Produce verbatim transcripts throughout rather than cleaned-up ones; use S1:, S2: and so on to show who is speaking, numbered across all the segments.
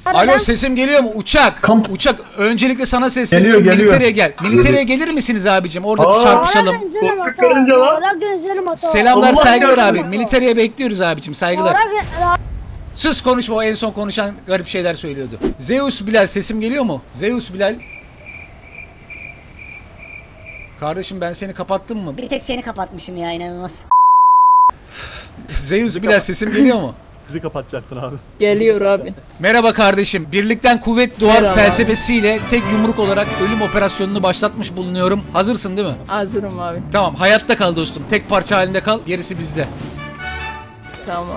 S1: Alo, sesim geliyor mu? Uçak.
S2: Kamp.
S1: Uçak. Öncelikle sana sesleniyorum.
S2: Geliyor, geliyor.
S1: Militeriye gel. Militeriye gelir misiniz abicim? Orada
S2: Aa.
S1: çarpışalım.
S2: Korkak karınca lan.
S1: Selamlar,
S2: Allah
S1: saygılar
S2: yardım
S1: abi.
S2: et.
S1: Militeriye bekliyoruz abicim. Saygılar. Sus, konuşma. O en son konuşan garip şeyler söylüyordu. Zeus Bilal, sesim geliyor mu? Zeus Bilal. Kardeşim, ben seni kapattım mı?
S3: Bir tek seni kapatmışım ya, inanılmaz.
S1: Zeus Bilal, sesim geliyor mu?
S4: Bizi kapatacaktın abi.
S5: Geliyor abi.
S1: Merhaba kardeşim. Birlikten kuvvet doğar
S5: Merhaba.
S1: felsefesiyle tek yumruk olarak ölüm operasyonunu başlatmış bulunuyorum. Hazırsın değil mi?
S5: Hazırım abi.
S1: Tamam, hayatta kal dostum. Tek parça halinde kal. Gerisi bizde.
S5: Tamam.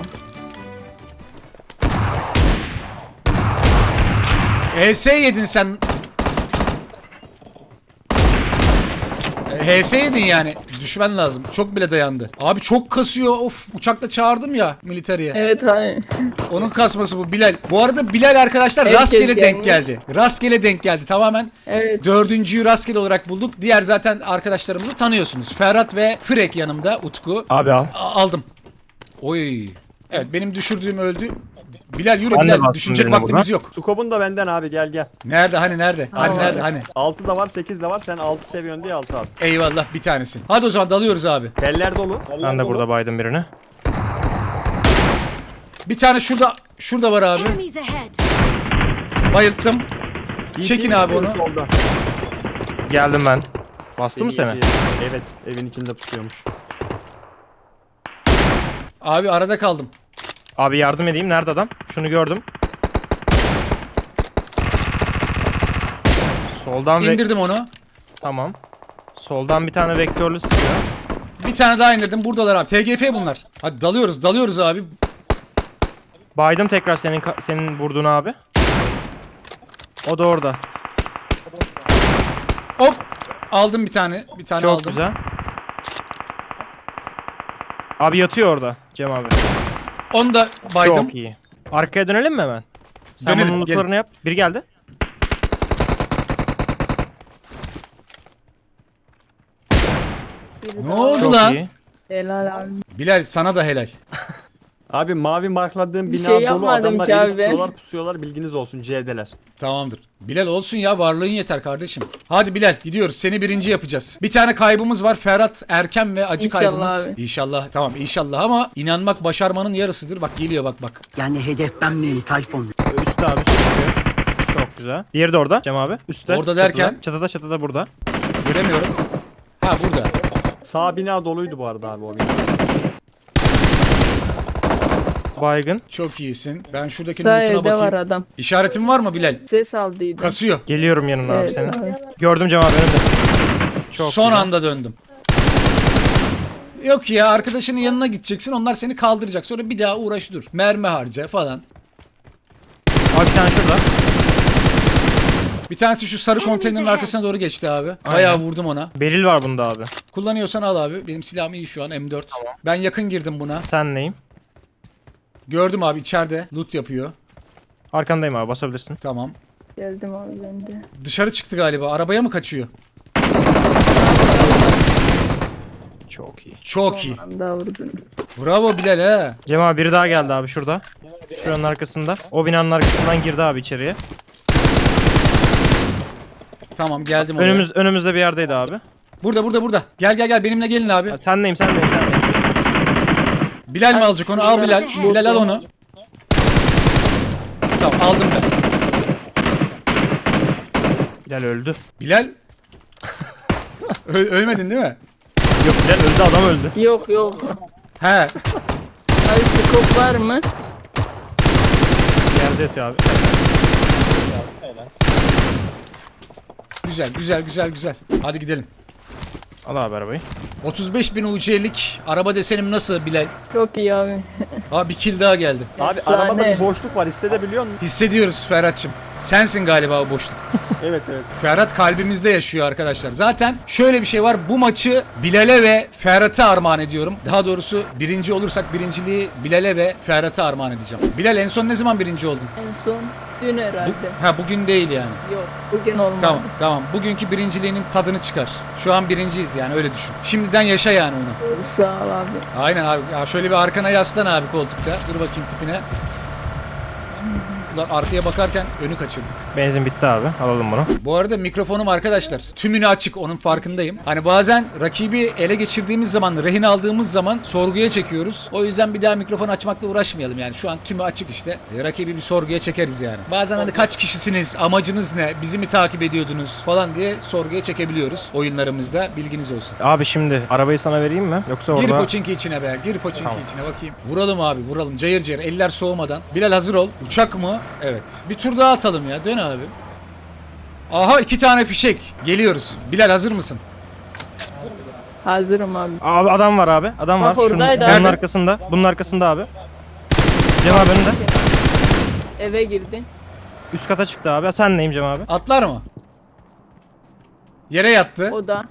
S1: H S yedin sen. H S yedin yani. Düşmen lazım. Çok bile dayandı. Abi çok kasıyor. Of, uçakta çağırdım ya militeriye.
S5: Evet abi.
S1: Onun kasması bu Bilal. Bu arada Bilal arkadaşlar
S5: Herkes
S1: rastgele denk
S5: gelmiş.
S1: geldi. Rastgele denk geldi tamamen.
S5: Evet.
S1: Dördüncüyü rastgele olarak bulduk. Diğer zaten arkadaşlarımızı tanıyorsunuz. Ferhat ve Frek yanımda. Utku.
S6: Abi al.
S1: A- aldım. Oy. Evet, benim düşürdüğüm öldü. Bilal yürü
S6: Ben de
S1: Bilal.
S6: bastım
S1: Düşünecek
S6: birine
S1: vaktimiz
S6: buradan.
S1: yok.
S4: Sukobun da benden abi, gel gel.
S1: Nerede hani nerede? Hani
S5: Tamam.
S1: nerede hani?
S4: altı da var, sekiz de var. Sen altı seviyorsun diye altı abi.
S1: Eyvallah, bir tanesin. Hadi o zaman dalıyoruz abi.
S4: Teller dolu.
S6: Ben de burada baydım birini.
S1: Bir tane şurada şurada var abi.
S7: Enemies ahead.
S1: Bayılttım. Çekin abi onu.
S4: Solda.
S6: Geldim ben. Bastı mı seni?
S4: Yedi. Evet, evin içinde pusuyormuş.
S1: Abi arada kaldım.
S6: Abi yardım edeyim. Nerede adam? Şunu gördüm. Soldan ve...
S1: İndirdim onu.
S6: Tamam. Soldan bir tane vektörlü sıkıyor.
S1: Bir tane daha indirdim. Buradalar abi. T G F bunlar. Hadi dalıyoruz, dalıyoruz abi.
S6: Baydım tekrar senin ka- senin vurduğun abi. O da orada.
S1: Hop. Aldım bir tane. Bir tane
S6: Çok
S1: aldım.
S6: güzel. Abi yatıyor orada Cem abi.
S1: Onu da baydım.
S6: Çok iyi. Arkaya dönelim mi hemen? Sen
S1: Dönelim,
S6: bunun
S1: gelin.
S6: lootlarını yap. Biri geldi.
S1: Ne oldu
S6: Çok
S1: lan?
S6: iyi.
S5: Helal abi.
S1: Bilal, sana da helal.
S4: Abi mavi markladığım
S5: Bir
S4: bina
S5: şey
S4: dolu,
S5: yapmadım
S4: adamlar
S5: ki
S4: eli
S5: abi ben.
S4: tutuyorlar, pusuyorlar, bilginiz olsun, C'deler.
S1: Tamamdır. Bilal olsun ya, varlığın yeter kardeşim. Hadi Bilal, gidiyoruz. Seni birinci yapacağız. Bir tane kaybımız var. Ferhat Erken ve acı
S5: İnşallah
S1: kaybımız.
S5: abi.
S1: İnşallah. Tamam, inşallah ama inanmak başarmanın yarısıdır. Bak geliyor, bak bak.
S8: Yani hedef ben miyim Tayfun?
S6: Üstte abi çıkıyor. Çok güzel. Diğeri de orada Cem abi. Üstte.
S1: Orada derken?
S6: Çatıda çatıda, çatıda burada.
S1: Göremiyorum. Ha, burada.
S4: Sağ bina doluydu bu arada abi, o bina.
S6: Baygın.
S1: Çok iyisin. Ben şuradaki
S5: Sağ
S1: lootuna
S5: evde var
S1: bakayım.
S5: adam.
S1: İşaretin var mı Bilal?
S5: Ses aldıydı.
S1: Kasıyor.
S6: Geliyorum yanına abi
S5: Evet
S6: senin.
S5: abi.
S6: Gördüm Cem abi önümde. Çok
S1: Son
S6: güzel.
S1: anda döndüm. Yok ya, arkadaşının yanına gideceksin. Onlar seni kaldıracak. Sonra bir daha uğraş dur. Mermi harca falan.
S6: Abi bir tane şurada.
S1: Bir tanesi şu sarı konteynerin arkasına doğru geçti abi. Bayağı vurdum ona.
S6: Beril var bunda abi.
S1: Kullanıyorsan al abi. Benim silahım iyi şu an, M dört. Ben yakın girdim buna.
S6: Sen neyim?
S1: Gördüm abi, içeride loot yapıyor.
S6: Arkandayım abi, basabilirsin.
S1: Tamam.
S5: Geldim abi ben de.
S1: Dışarı çıktı galiba. Arabaya mı kaçıyor?
S6: Çok iyi.
S1: Çok iyi.
S5: Anda vurdun.
S1: Bravo Bilal he.
S6: Cem abi biri daha geldi abi şurada. Şuranın arkasında. O binanın arkasından girdi abi içeriye.
S1: Tamam, geldim oraya.
S6: Önümüz önümüzde bir yerdeydi abi.
S1: Burada burada burada. Gel gel gel, benimle gelin abi.
S6: Ya sen neyim sen neyim sen neyim?
S1: Bilal mi alacak onu? Al Bilal. Bilal al onu. Tamam, aldım ben.
S6: Bilal öldü.
S1: Bilal. Ö- ölmedin değil mi?
S6: Yok Bilal öldü, adam öldü.
S5: Yok yok.
S1: He.
S5: Abi skop var mı?
S6: Yerde yatıyor abi.
S1: Güzel güzel güzel güzel. Hadi gidelim.
S6: Al abi arabayı.
S1: otuz beş bin U C'lik araba desenim nasıl Bilal?
S5: Çok iyi abi.
S1: Ha, bir kill daha geldi.
S4: Abi
S5: Efsane.
S4: arabada bir boşluk var, hissedebiliyor musun?
S1: Hissediyoruz Ferhat'cığım. Sensin galiba o boşluk.
S4: Evet evet.
S1: Ferhat kalbimizde yaşıyor arkadaşlar. Zaten şöyle bir şey var. Bu maçı Bilal'e ve Ferhat'a armağan ediyorum. Daha doğrusu birinci olursak birinciliği Bilal'e ve Ferhat'a armağan edeceğim. Bilal, en son ne zaman birinci oldun?
S5: En son dün herhalde.
S1: Bu, ha bugün değil yani.
S5: Yok bugün olmadı.
S1: Tamam tamam. Bugünkü birinciliğinin tadını çıkar. Şu an birinciyiz yani, öyle düşün. Şimdiden yaşa yani onu.
S5: Sağ ol abi.
S1: Aynen abi. Ya şöyle bir arkana yaslan abi koltukta. Dur bakayım tipine. Ulan arkaya bakarken önü kaçırdık.
S6: Benzin bitti abi. Alalım bunu.
S1: Bu arada mikrofonum arkadaşlar tümünü açık, onun farkındayım. Hani bazen rakibi ele geçirdiğimiz zaman, rehin aldığımız zaman sorguya çekiyoruz. O yüzden bir daha mikrofon açmakla uğraşmayalım yani. Şu an tümü açık işte. E, rakibi bir sorguya çekeriz yani. Bazen hani kaç kişisiniz, amacınız ne, bizi mi takip ediyordunuz falan diye sorguya çekebiliyoruz oyunlarımızda. Bilginiz olsun.
S6: Abi şimdi arabayı sana vereyim mi? Yoksa
S1: Gir
S6: orada...
S1: poçinki içine be. Gir poçinki
S6: Tamam.
S1: içine bakayım. Vuralım abi, vuralım. Cayır cayır. Eller soğumadan. Bilal hazır ol. Uçak mı? Evet. Bir tur daha atalım ya. Dön abi. Aha iki tane fişek. Geliyoruz. Bilal hazır mısın?
S5: Hazırım abi.
S6: Abi adam var abi. Adam var.
S5: Bak oradaydı
S6: bunun
S1: abi.
S6: arkasında. Bunun arkasında abi. Cem abi önünde.
S5: Eve girdi.
S6: Üst kata çıktı abi. Sen neyim Cem abi?
S1: Atlar mı? Yere yattı.
S5: O da.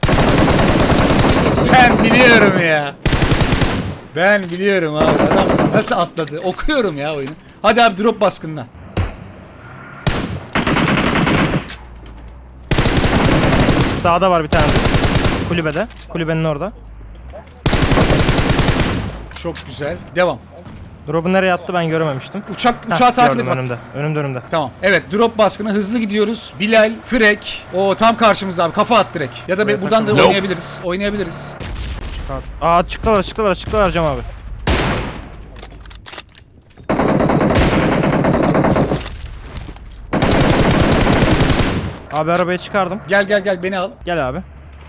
S1: Ben biliyorum ya. Ben biliyorum abi. Adam nasıl atladı? Okuyorum ya oyunu. Hadi abi drop baskınına.
S6: Sağda var bir tane. Kulübede. Kulübenin orada.
S1: Çok güzel. Devam.
S6: Drop'u nereye attı ben görememiştim.
S1: Uçak
S6: Heh,
S1: uçağı takip et
S6: gördüm
S1: bak.
S6: önümde. Önümde önümde.
S1: Tamam. Evet drop baskını hızlı gidiyoruz. Bilal, Frek. O tam karşımızda abi. Kafa at direkt. Ya da
S6: Buraya
S1: be- buradan da
S6: takıldı.
S1: oynayabiliriz. Oynayabiliriz.
S6: Çıkar. Aa çıktılar çıktılar çıktılar Cem abi. Abi arabayı çıkardım.
S1: Gel gel gel beni al.
S6: Gel abi.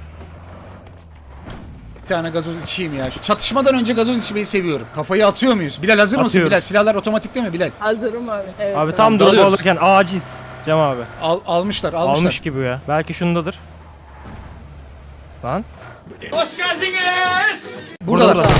S1: Bir tane gazoz içeyim ya. Şu çatışmadan önce gazoz içmeyi seviyorum. Kafayı atıyor muyuz? Bilal hazır mısın
S6: Atıyoruz.
S1: Bilal? Silahlar otomatik değil mi Bilal?
S5: Hazırım abi. Evet,
S6: Abi tam drop
S1: dalıyoruz.
S6: alırken aciz. Cem abi.
S1: Al, almışlar almışlar.
S6: Almış gibi ya. Belki şundadır. Lan.
S1: Buradalar.
S6: Burada.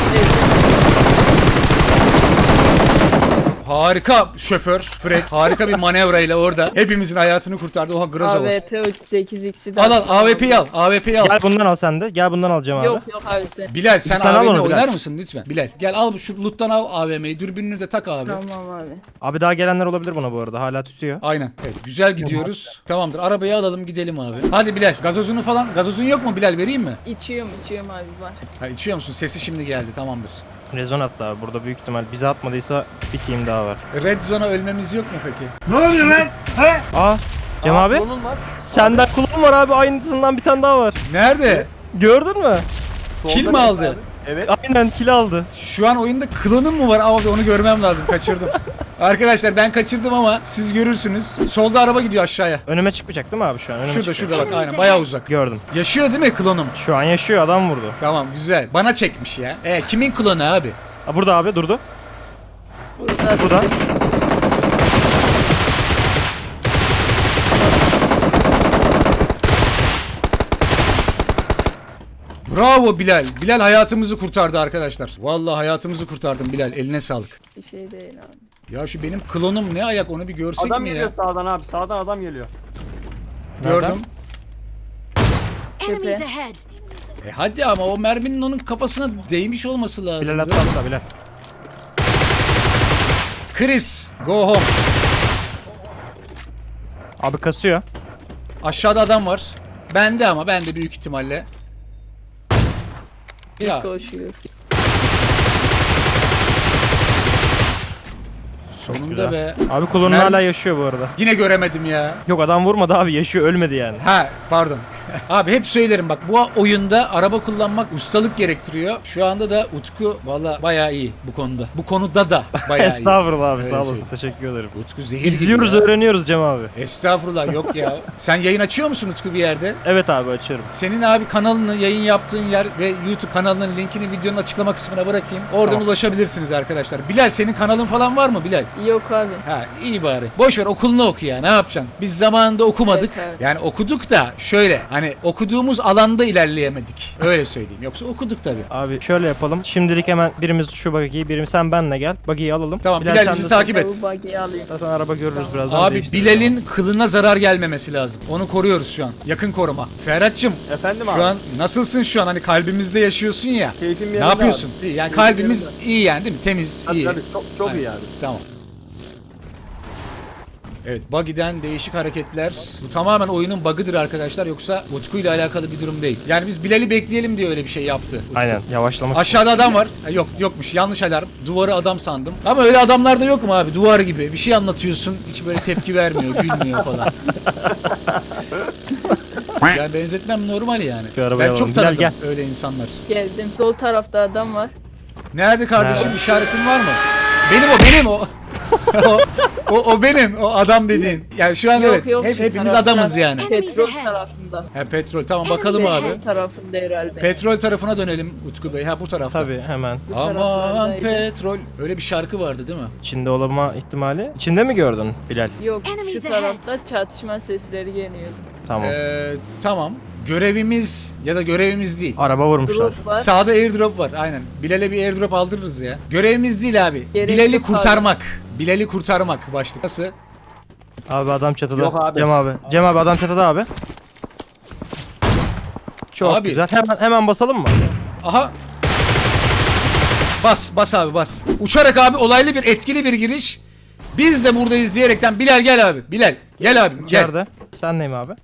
S1: Harika şoför Frek. Harika bir manevrayla orada hepimizin hayatını kurtardı. Oha Groza var.
S5: A W P sekiz x'i de
S1: Al al
S5: aldım
S1: A W
S5: abi.
S1: P'yi al. A W P'yi al.
S6: Gel bundan al sen de. Gel bundan al Cem abi.
S5: Yok yok abi sen.
S1: Bilal sen
S6: Bir tane al
S1: A V M
S6: onu Bilal.
S1: oynar mısın lütfen? Bilal gel al şu loot'tan al A V M'yi. Dürbününü de tak abi.
S5: Tamam abi.
S6: Abi daha gelenler olabilir buna bu arada. Hala tutuyor.
S1: Aynen. Evet, güzel gidiyoruz. Tamamdır. Arabayı alalım gidelim abi. Hadi Bilal. Gazozunu falan. Gazozun yok mu Bilal? Vereyim mi?
S5: İçiyorum içiyorum abi var.
S1: Ha içiyor musun? Sesi şimdi geldi. Tamamdır.
S6: Rezon attı abi. Burada büyük ihtimal bize atmadıysa bir team daha var.
S1: Red Zone'a ölmemiz yok mu peki?
S6: Aa Cem
S4: Aa,
S6: abi.
S4: klonun var.
S6: Senden kulağım var abi. Aynısından bir tane daha var.
S1: Nerede?
S6: Gördün mü?
S4: Solda
S1: Kill mi
S4: bir
S1: aldı?
S4: abi. Evet.
S6: Aynen kill aldı.
S1: Şu an oyunda klonum mu var? Abi onu görmem lazım. Kaçırdım. Arkadaşlar ben kaçırdım ama siz görürsünüz. Solda araba gidiyor aşağıya.
S6: Önüme çıkmayacak değil mi abi şu an? Önüme
S1: Şurada
S6: çıkacak.
S1: şurada bak. Aynen bayağı uzak.
S6: Gördüm.
S1: Yaşıyor değil mi klonum?
S6: Şu an yaşıyor adam vurdu.
S1: Tamam güzel. Bana çekmiş ya. E kimin klonu abi?
S6: Aa, burada abi durdu.
S5: Burada.
S6: Burada.
S1: Bravo Bilal. Bilal hayatımızı kurtardı arkadaşlar. Vallahi hayatımızı kurtardın Bilal. Eline sağlık.
S5: Bir şey değil abi.
S1: Ya şu benim klonum ne ayak onu bir görsek
S4: Adam
S1: mi
S4: geliyor
S1: ya?
S4: sağdan abi. Sağdan adam geliyor.
S1: Gördüm.
S2: Enemies
S5: Tepe.
S2: ahead.
S1: E hadi ama o merminin onun kafasına değmiş olması lazım.
S6: Bilal atla atla Bilal.
S1: Chris, go home.
S6: Abi kasıyor.
S1: Aşağıda adam var. Bende ama bende büyük ihtimalle. Ya
S5: Koşuyor.
S1: sonunda
S6: güzel.
S1: be.
S6: Abi kullanım
S1: Mermi-
S6: hala yaşıyor bu arada.
S1: Yine göremedim ya.
S6: Yok adam vurmadı abi yaşıyor ölmedi yani.
S1: Ha pardon. Abi hep söylerim bak bu oyunda araba kullanmak ustalık gerektiriyor. Şu anda da Utku valla bayağı iyi bu konuda. Bu konuda da bayağı iyi.
S6: Estağfurullah abi
S1: Öyle
S6: sağ olasın
S1: şey.
S6: teşekkür ederim.
S1: Utku zehir gibi
S6: İzliyoruz
S1: ya.
S6: öğreniyoruz Cem abi.
S1: Estağfurullah yok ya. Sen yayın açıyor musun Utku bir yerde?
S6: Evet abi açıyorum.
S1: Senin abi kanalını, yayın yaptığın yer ve YouTube kanalının linkini videonun açıklama kısmına bırakayım. Oradan
S6: Tamam.
S1: ulaşabilirsiniz arkadaşlar. Bilal senin kanalın falan var mı Bilal?
S5: Yok abi.
S1: Ha iyi bari. Boş ver okulunu oku ya ne yapacaksın? Biz zamanında okumadık.
S5: Evet, evet.
S1: Yani okuduk da şöyle hani okuduğumuz alanda ilerleyemedik. Öyle söyleyeyim. Yoksa okuduk tabii.
S6: Abi şöyle yapalım. Şimdilik hemen birimiz şu buggy'yi, birimiz sen benle gel. Buggy'yi alalım.
S1: Tamam, Bilal
S6: sen
S1: bizi
S6: de-
S1: takip et.
S5: Bu buggy'i alayım.
S6: Zaten araba görürüz birazdan.
S1: Abi
S6: değiştiririz
S1: Bilal'in kılına zarar gelmemesi lazım. Onu koruyoruz şu an. Yakın koruma. Ferhat'cığım
S4: Efendim abi.
S1: şu an nasılsın şu an? Hani kalbimizde yaşıyorsun ya.
S4: Keyfim
S1: Ne
S4: yerinde
S1: yapıyorsun?
S4: abi.
S1: İyi, yani
S4: Keyfim
S1: kalbimiz
S4: yerinde.
S1: iyi yani değil mi? Temiz,
S4: Tabii
S1: iyi.
S4: tabii çok çok
S1: Aynen.
S4: iyi abi.
S1: Tamam. Evet, buggy'den değişik hareketler. Bu tamamen oyunun bug'ıdır arkadaşlar, yoksa Utku ile alakalı bir durum değil. Yani biz Bilal'i bekleyelim diye öyle bir şey yaptı Utku.
S6: Aynen yavaşlamak.
S1: Aşağıda adam var. Ha, yok yokmuş, yanlış alarm. Duvarı adam sandım. Ama öyle adamlar da yok mu abi? Duvar gibi. Bir şey anlatıyorsun, hiç böyle tepki vermiyor, gülmüyor falan. Yani benzetmem normal yani.
S6: Şu arabayı
S1: Ben çok
S6: alalım. Gel,
S1: tanıdım
S6: gel.
S1: öyle insanlar.
S5: Geldim. Sol tarafta adam var.
S1: Nerede kardeşim,
S6: Nerede?
S1: işaretin var mı? Benim o, benim o. o, o, o benim, o adam dediğin. Yani şu an evet,
S5: yok,
S1: hep,
S5: şu
S1: hepimiz
S5: tarafta.
S1: adamız yani.
S5: Petrol tarafında.
S1: Ha, petrol, tamam bakalım abi.
S5: Petrol tarafında herhalde.
S1: Petrol tarafına dönelim Utku Bey, ha bu tarafta.
S6: Tabii hemen.
S1: Aman
S5: taraflardaydı.
S1: petrol, öyle bir şarkı vardı değil mi?
S6: İçinde olma ihtimali. İçinde mi gördün Bilal?
S5: Yok, şu
S2: Enemies
S5: tarafta çatışma sesleri geliyordu.
S6: Tamam.
S1: Ee, tamam. Görevimiz ya da görevimiz değil.
S6: Araba vurmuşlar.
S5: Drop var.
S1: Sağda airdrop var, aynen. Bilal'e bir airdrop aldırırız ya. Görevimiz değil abi.
S5: Gerek
S1: Bilal'i
S5: yok
S1: kurtarmak. Bilal'i kurtarmak başlık. Nasıl?
S6: Abi adam çatıda.
S4: Yok abi.
S6: Cem abi. Cem abi adam çatıda abi. Çok
S1: Abi.
S6: güzel. Hemen hemen basalım mı?
S1: Aha. Bas, bas abi bas. Uçarak abi, olaylı bir, etkili bir giriş. Biz de buradayız diyerekten Bilal gel abi. Bilal gel abi gel.
S6: İçeride. Sen neyim abi?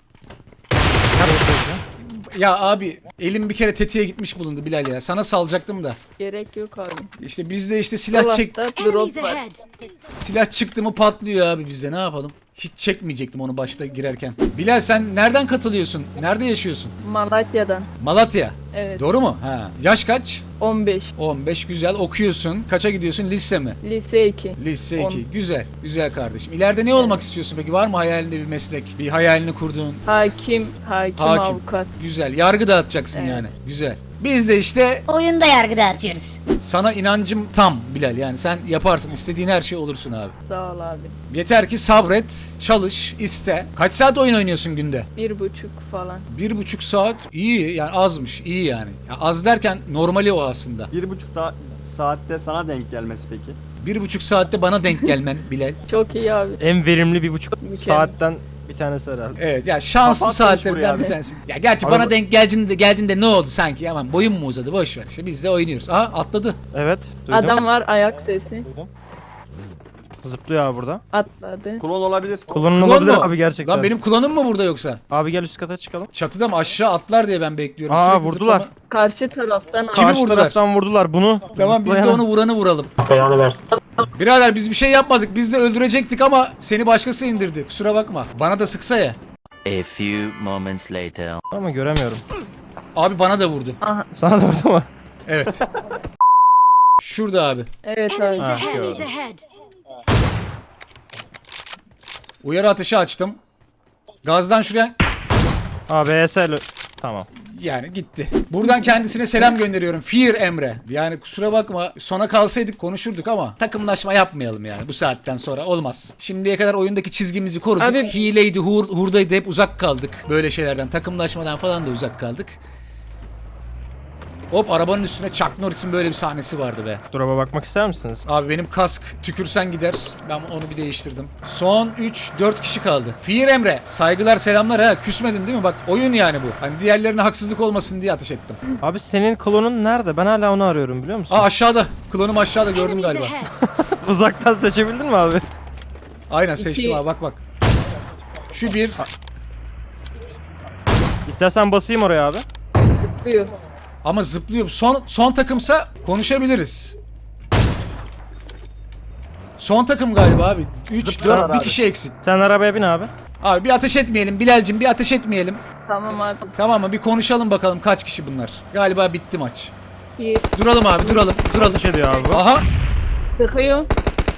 S1: Ya abi elim bir kere tetiğe gitmiş bulundu Bilal ya. Sana salacaktım da.
S5: Gerek yok abi.
S1: İşte bizde işte silah çek
S5: Dolapta
S2: Enemies
S5: drop var.
S2: ahead.
S1: silah çıktı mı patlıyor abi bizde. Ne yapalım? Hiç çekmeyecektim onu başta girerken. Bilal sen nereden katılıyorsun? Nerede yaşıyorsun?
S5: Malatya'dan.
S1: Malatya.
S5: Evet.
S1: Doğru mu? Ha. Yaş kaç?
S5: on beş.
S1: on beş, güzel. Okuyorsun. Kaça gidiyorsun? Lise mi?
S5: Lise iki.
S1: Lise
S5: On.
S1: iki. Güzel. Güzel kardeşim. İleride ne olmak istiyorsun peki? Var mı hayalinde bir meslek? Bir hayalini kurduğun?
S5: Hakim, hakim,
S1: Hakim.
S5: avukat.
S1: Güzel. Yargı dağıtacaksın
S5: Evet.
S1: yani. Güzel. Biz de işte
S3: Oyunda yargı dağıtıyoruz.
S1: sana inancım tam Bilal. Yani sen yaparsın. İstediğin her şey olursun abi.
S5: Sağ ol abi.
S1: Yeter ki sabret, çalış, iste. Kaç saat oyun oynuyorsun günde?
S5: Bir buçuk falan.
S1: Bir buçuk saat. İyi yani, azmış. İyi yani. Ya az derken normali o aslında.
S4: Bir buçuk da saatte sana denk gelmesi peki.
S1: Bir buçuk saatte bana denk gelmen Bilal.
S5: Çok iyi abi.
S6: En verimli bir buçuk
S5: Mükemmel.
S6: saatten bir tanesi herhalde.
S1: Evet ya, şanslı
S4: Kapat
S1: saatlerden
S4: buraya
S1: bir
S4: abi.
S1: tanesi. Ya gerçi
S6: Abi
S1: bana
S6: bu-
S1: denk geldiğinde, geldiğinde ne oldu sanki? Aman boyun mu uzadı? Boş ver işte, biz de oynuyoruz. Aha atladı.
S6: Evet. Duydum.
S5: Adam var, ayak sesi.
S6: Zıplıyor abi burada.
S5: Atladı.
S4: Klon olabilir.
S6: Kullanın
S1: Klon
S6: olabilir
S1: mu?
S6: abi gerçekten.
S1: Lan benim klonum mu burada yoksa?
S6: Abi gel üst kata çıkalım.
S1: Çatıda mı, aşağı atlar diye ben bekliyorum.
S6: Aa,
S1: Sürekli
S6: vurdular.
S1: zıplama-
S5: Karşı taraftan
S1: Kimi
S6: Karşı
S1: vurdular?
S6: taraftan vurdular bunu.
S1: Tamam, biz de
S6: Zıplayan-
S1: onu vuranı vuralım. Birader biz bir şey yapmadık. Biz de öldürecektik ama seni başkası indirdi. Kusura bakma. Bana da sıksa ya.
S7: A few moments later.
S6: Ama göremiyorum.
S1: Abi bana da vurdu.
S6: Sana da vurdu mu?
S1: Evet. Şurada abi.
S5: Evet
S2: Enemies
S5: abi.
S6: Ha,
S2: ahead.
S6: gördüm.
S2: Enemies ahead.
S1: Uyarı ateşi açtım. Gazdan şuraya...
S6: Aa B S L. Tamam.
S1: Yani gitti. Buradan kendisine selam gönderiyorum. Fear Emre. Yani kusura bakma, sona kalsaydık konuşurduk ama takımlaşma yapmayalım yani bu saatten sonra, olmaz. Şimdiye kadar oyundaki çizgimizi koruduk.
S5: Abi-
S1: Hileydi, hur, hurdaydı, hep uzak kaldık. Böyle şeylerden, takımlaşmadan falan da uzak kaldık. Hop, arabanın üstüne Chuck Norris'in böyle bir sahnesi vardı be.
S6: Drop'a bakmak ister misiniz?
S1: Abi benim kask tükürsen gider. Ben onu bir değiştirdim. Son üç dört kişi kaldı. Fear Emre. Saygılar selamlar ha. Küsmedin değil mi? Bak oyun yani bu. Hani diğerlerine haksızlık olmasın diye ateş ettim.
S6: Abi senin klonun nerede? Ben hala onu arıyorum biliyor musun?
S1: Aa, aşağıda. Klonum aşağıda, gördüm
S2: Enemies
S1: galiba.
S2: ahead.
S6: Uzaktan seçebildin mi abi?
S1: Aynen seçtim
S5: İki.
S1: abi, bak bak. Şu bir.
S6: İstersen basayım oraya abi.
S5: Buyur.
S1: Ama zıplıyor. Son son takımsa konuşabiliriz. Son takım galiba abi. üç
S4: Zıplıyorlar
S1: dört bir
S4: abi.
S1: kişi eksik.
S6: Sen arabaya bin abi.
S1: Abi bir ateş etmeyelim Bilal'cim, bir ateş etmeyelim.
S5: Tamam abi.
S1: Tamam mı? Bir konuşalım bakalım kaç kişi bunlar. Galiba bitti maç.
S5: Bir
S1: Duralım abi, duralım. Duralım.
S6: Ateş ediyor abi bu.
S1: Aha.
S5: sıkıyor.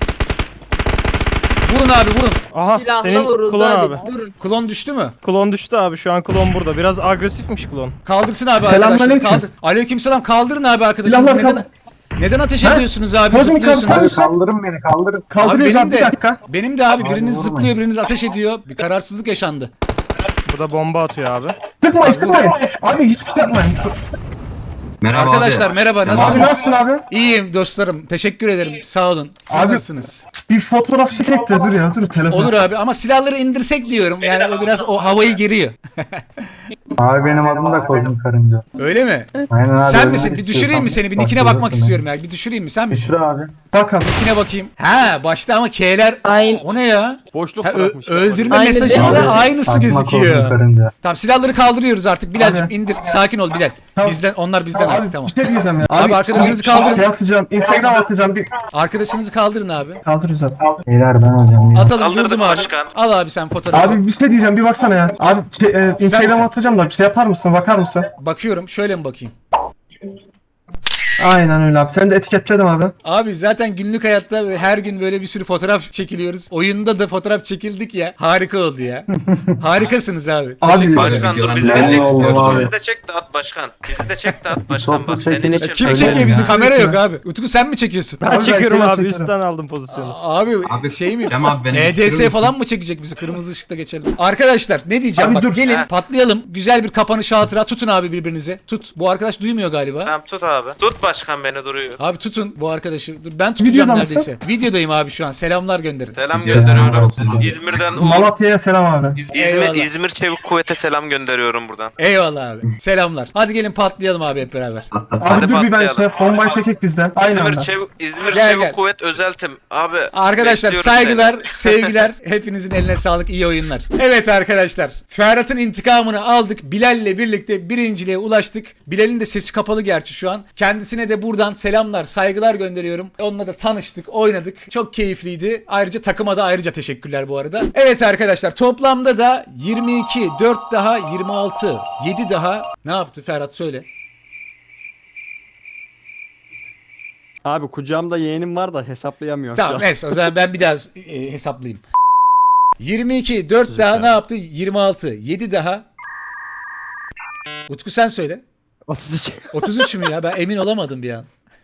S1: Vurun abi, vurun.
S6: Aha
S5: Silahla
S6: senin
S5: vuruldu
S6: klon
S5: abi.
S6: abi.
S5: Durun.
S1: Klon düştü mü?
S6: Klon düştü abi, şu an klon burada. Biraz agresifmiş klon.
S1: Kaldırsın abi arkadaşlar. Kaldır. Aleykümselam, kaldırın abi arkadaşınızı. Neden, neden ateş ediyorsunuz abi? Zıplıyorsunuz.
S9: Kaldırın beni kaldırın.
S1: Abi
S9: Kaldırıyoruz
S1: benim
S9: abi, bir
S1: de,
S9: dakika.
S1: benim de abi, biriniz
S9: vurmayın.
S1: zıplıyor, biriniz ateş ediyor. Bir kararsızlık yaşandı.
S6: Burada bomba atıyor abi.
S9: Sıkmayın sıkmayın. Abi hiçbir şey yapmayın.
S10: Merhaba
S1: Arkadaşlar
S10: abi.
S1: merhaba,
S9: Abi
S1: nasılsınız?
S9: nasılsın abi?
S1: İyiyim dostlarım, teşekkür ederim, sağ olun. Siz
S9: Abi-
S1: nasılsınız?
S9: Bir fotoğraf çekek de dur ya dur telefon.
S1: Olur abi ama silahları indirsek diyorum, yani o biraz o havayı geriyor.
S9: Abi benim adım da Kozmik Karınca.
S1: Öyle mi?
S9: Aynen abi.
S1: Sen
S9: öyle
S1: misin? Bir düşüreyim mi seni? Bir nickine bakmak istiyorum ya. Bir düşüreyim mi? Sen misin?
S9: Düşür abi. Bakalım.
S1: Nickine bakayım. Ha başta ama K'ler.
S5: Aynen.
S1: O ne ya?
S4: Boşluk
S1: Ha, ö-
S4: bırakmışlar.
S1: öldürme
S5: Aynı
S1: mesajında
S5: değil mi?
S1: aynısı
S9: Aklıma Kozmik
S1: gözüküyor.
S9: Karınca.
S1: Tamam silahları kaldırıyoruz artık. Bilal'cim
S9: Abi.
S1: indir. Sakin ol Bilal.
S9: Tamam.
S1: Bizden onlar bizden
S9: Tamam,
S1: artık
S9: abi
S1: tamam.
S9: bir şey diyeceğim ya.
S1: Abi arkadaşınızı
S9: şey-
S1: kaldırın.
S9: Şey atacağım. Instagram atacağım. Bir
S1: Arkadaşınızı kaldırın abi.
S9: kaldırırız abi. Beyler ben alacağım ya.
S1: Atalım durdum abi. Al abi sen fotoğrafı.
S9: Abi bir şey diyeceğim bir baksana ya. Abi şey, e, Instagram
S1: misin?
S9: atacağım da bir şey yapar mısın? Bakar mısın?
S1: Bakıyorum şöyle mi bakayım?
S9: Aynen öyle abi. Sen de etiketledim abi.
S1: Abi zaten günlük hayatta böyle her gün böyle bir sürü fotoğraf çekiliyoruz. Oyunda da fotoğraf çekildik ya. Harika oldu ya. Harikasınız abi.
S9: Abi
S1: Teşekkür ederim.
S10: Başkan dur bizi de
S9: Ben
S10: çek.
S9: oldum abi.
S10: Bizi de çek de at başkan. Bizi de çek de at başkan
S9: Toplu
S10: bak senin
S9: çekini-
S10: için.
S1: Kim
S9: Öyle
S1: çekiyor
S9: mi
S1: bizi?
S9: ya?
S1: Kamera yok abi. Utku sen mi çekiyorsun?
S6: Ben
S9: Abi ben
S6: çekiyorum
S9: şeyden
S6: abi
S9: çekiyorum.
S6: üstten aldım pozisyonu.
S1: Abi,
S10: Abi,
S1: şey mi?
S10: Cem abi beni
S1: E D
S10: düşürür
S1: S
S10: müsün?
S1: falan mı çekecek bizi? Kırmızı ışıkta geçelim. Arkadaşlar ne diyeceğim?
S9: Abi
S1: Bak
S9: dur.
S1: gelin
S10: Ha.
S1: patlayalım. Güzel bir kapanış hatıra. Tutun abi birbirinizi. Tut. Bu arkadaş duymuyor galiba.
S10: Tamam tut abi. Tut başkan beni duruyor.
S1: Abi tutun bu arkadaşı. Dur ben tutacağım
S9: Videoda mısın?
S1: neredeyse. Videodayım abi şu an. Selamlar gönderin.
S10: Selam
S9: Selamlar
S10: gönderiyorum.
S9: olsun abi.
S10: İzmir'den Umut.
S9: Malatya'ya selam abi.
S10: İz-
S1: Eyvallah.
S10: İzmir, İzmir Çevik Kuvvet'e selam gönderiyorum buradan.
S1: Eyvallah abi. Selamlar. Hadi gelin patlayalım abi hep beraber.
S9: Abi dur bir ben
S10: patlayalım.
S9: şey bombayı çekek bizden. Aynı
S10: İzmir
S9: anda.
S10: Çevik, İzmir
S1: Gel,
S10: Çevik
S1: gel.
S10: Kuvvet özeltim. Abi
S1: Arkadaşlar
S10: bekliyorum
S1: saygılar,
S10: seni.
S1: sevgiler. Hepinizin eline sağlık, iyi oyunlar. Evet arkadaşlar. Ferhat'ın intikamını aldık. Bilal'le birlikte birinciliğe ulaştık. Bilal'in de sesi kapalı gerçi şu an. Kendisine de buradan selamlar, saygılar gönderiyorum. Onunla da tanıştık, oynadık. Çok keyifliydi. Ayrıca takıma da ayrıca teşekkürler bu arada. Evet arkadaşlar toplamda da yirmi iki, dört daha yirmi altı, yedi daha. Ne yaptı Ferhat söyle.
S4: Abi kucağımda yeğenim var da hesaplayamıyorum.
S1: Tamam
S4: şu an.
S1: neyse o zaman ben bir daha e, hesaplayayım. yirmi iki, dört daha ne yaptı? yirmi altı, yedi daha. Utku sen söyle.
S6: otuz üç.
S1: otuz üç mü ya? Ben emin olamadım bir an.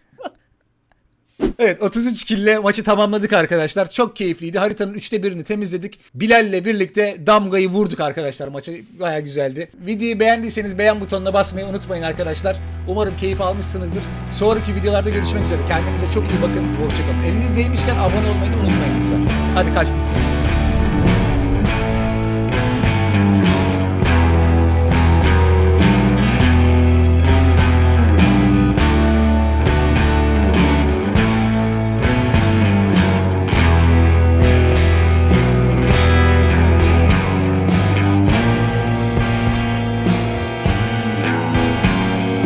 S1: Evet otuz üç kille maçı tamamladık arkadaşlar. Çok keyifliydi. Haritanın üçte birini temizledik. Bilal'le birlikte damgayı vurduk arkadaşlar. Maçı baya güzeldi. Videoyu beğendiyseniz beğen butonuna basmayı unutmayın arkadaşlar. Umarım keyif almışsınızdır. Sonraki videolarda görüşmek üzere. Kendinize çok iyi bakın. Hoşçakalın. Eliniz değmişken abone olmayı da unutmayın lütfen. Hadi kaçtık.